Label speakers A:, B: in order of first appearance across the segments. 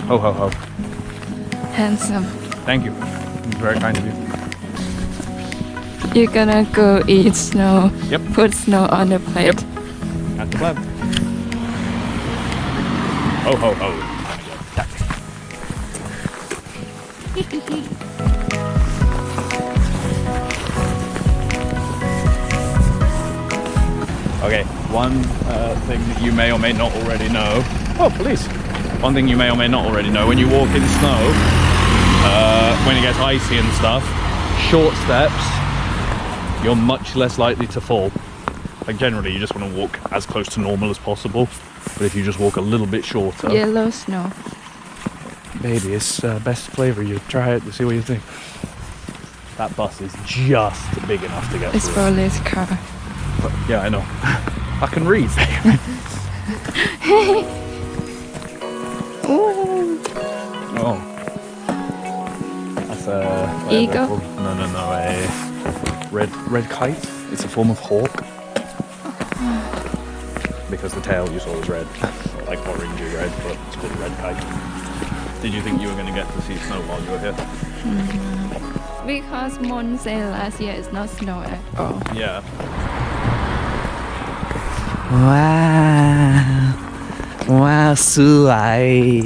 A: Ho ho ho.
B: Handsome.
A: Thank you. It's very kind of you.
B: You're gonna go eat snow.
A: Yep.
B: Put snow on the plate.
A: Yep. That's the plan. Ho ho ho. Okay, one thing that you may or may not already know. Oh, police! One thing you may or may not already know: when you walk in snow, when it gets icy and stuff, short steps, you're much less likely to fall. Like generally, you just want to walk as close to normal as possible. But if you just walk a little bit shorter,
B: Yellow snow.
A: baby, it's best flavor. You try it to see what you think. That bus is just big enough to get
B: It's
A: through.
B: Rolly's car.
A: Yeah, I know. I can read, baby.
B: Ooh.
A: Oh. That's a...
B: Eagle?
A: No, a red kite. It's a form of hawk. Because the tail you saw was red. Like orangey red, but it's called a red kite. Did you think you were going to get to see snow while you were here?
B: Because Mon said last year it's not snow at all.
A: Yeah.
C: Wow. Wow, สวย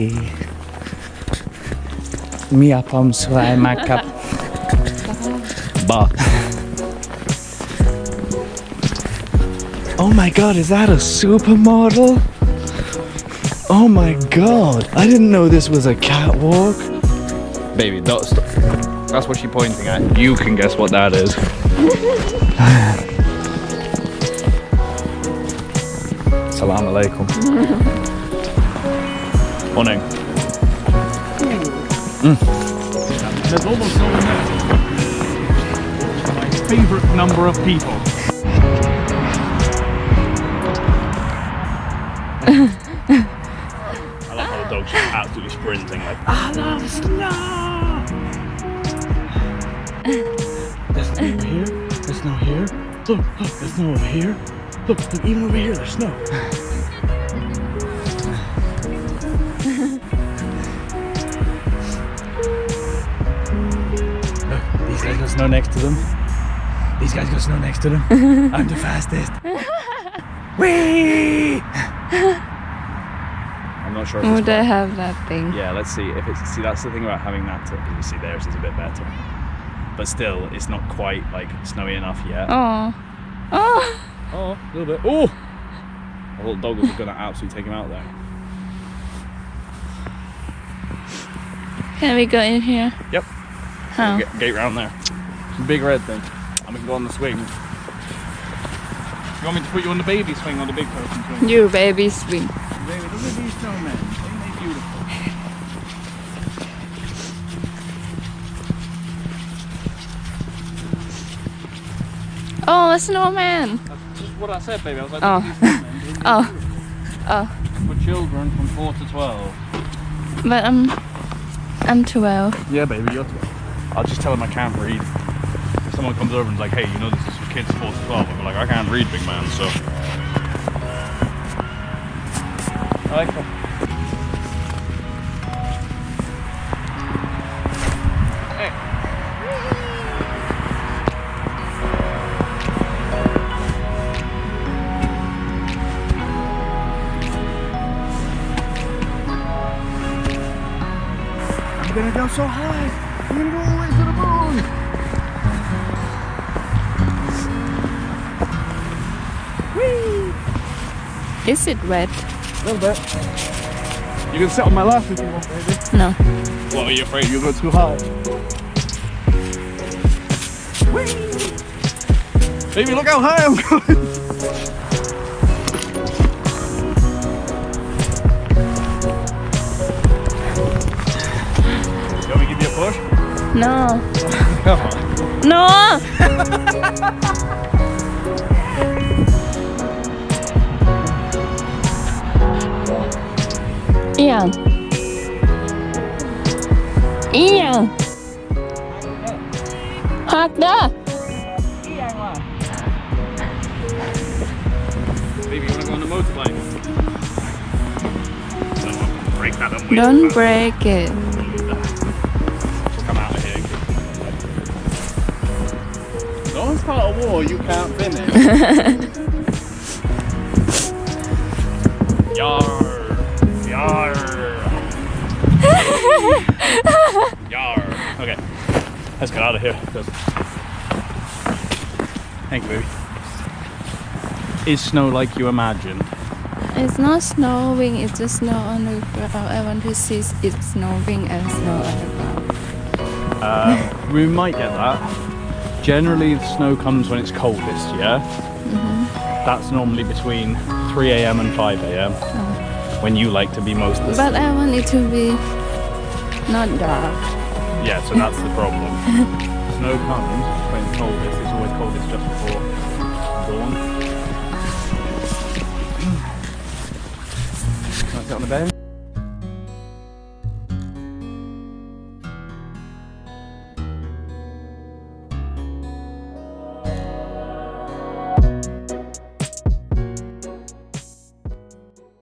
C: มีอารมณ์สวยมากครับ
A: Bah.
C: Oh my god, is that a supermodel? Oh my god, I didn't know this was a catwalk.
A: Baby, that's what she's pointing at. You can guess what that is. Salam alaikum. Morning. There's almost no one there. My favourite number of people. I love how the dog's just absolutely sprinting like, I love snow!
C: There's snow over here, there's snow here. Look, there's snow over here. Look, even over here there's snow. Look, these guys got snow next to them. These guys got snow next to them. I'm the fastest. Whee!
A: I'm not sure if
B: Would
A: it's
B: they have that thing?
A: Yeah, let's see if it's. See, that's the thing about having that. You see, theirs is a bit better, but still, it's not quite like snowy enough yet.
B: Oh. Oh.
A: Oh, a little bit. Oh, the little dog was gonna absolutely take him out there.
B: Can we go in here?
A: Yep.
B: How?
A: Gate round there. It's a big red thing. And we can go on the swing. You want me to put you on the baby swing or the big person swing?
B: You baby swing.
A: Baby, look at these snowmen. Ain't they beautiful?
B: Oh, a snowman.
A: That's just what I said, baby. I was like,
B: Oh.
A: look at these snowmen. Ain't they
B: Oh.
A: beautiful?
B: Oh.
A: For children from 4 to 12.
B: But I'm 12.
A: Yeah, baby, you're 12. I'll just tell them I can't read. If someone comes over and is like, hey, you know this is for kids 4 to 12, I'll be like, I can't read, big man, so. I like that.
C: I'm gonna go so high. I'm gonna go all the way to the moon.
B: Is it red?
A: A little bit. You can sit on my lap if you want, baby.
B: No.
A: What, are you afraid you'll go too high? Baby, look how high I'm going! You want me to give you a push?
B: No.
A: Come on.
B: No. Ian. Ian. Hạt đó.
A: Baby, you want to go on the motorbike? No, I'm break that and wait.
B: Don't break it.
A: Just come out of here. Don't start a war you can't finish. Yar. Yar. Yar. Okay. Let's get out of here. Thank you, baby. Is snow like you imagined?
B: It's not snowing, it's just snow on the ground. I want to see it snowing and snow on the ground.
A: We might get that. Generally, the snow comes when it's coldest, yeah? That's normally between 3 a.m. and 5 a.m. When you like to be most of the
B: But I want it to be not dark.
A: Yeah, so that's the problem. Snow comes when it's coldest. It's always coldest just before dawn. Can I sit on the bed?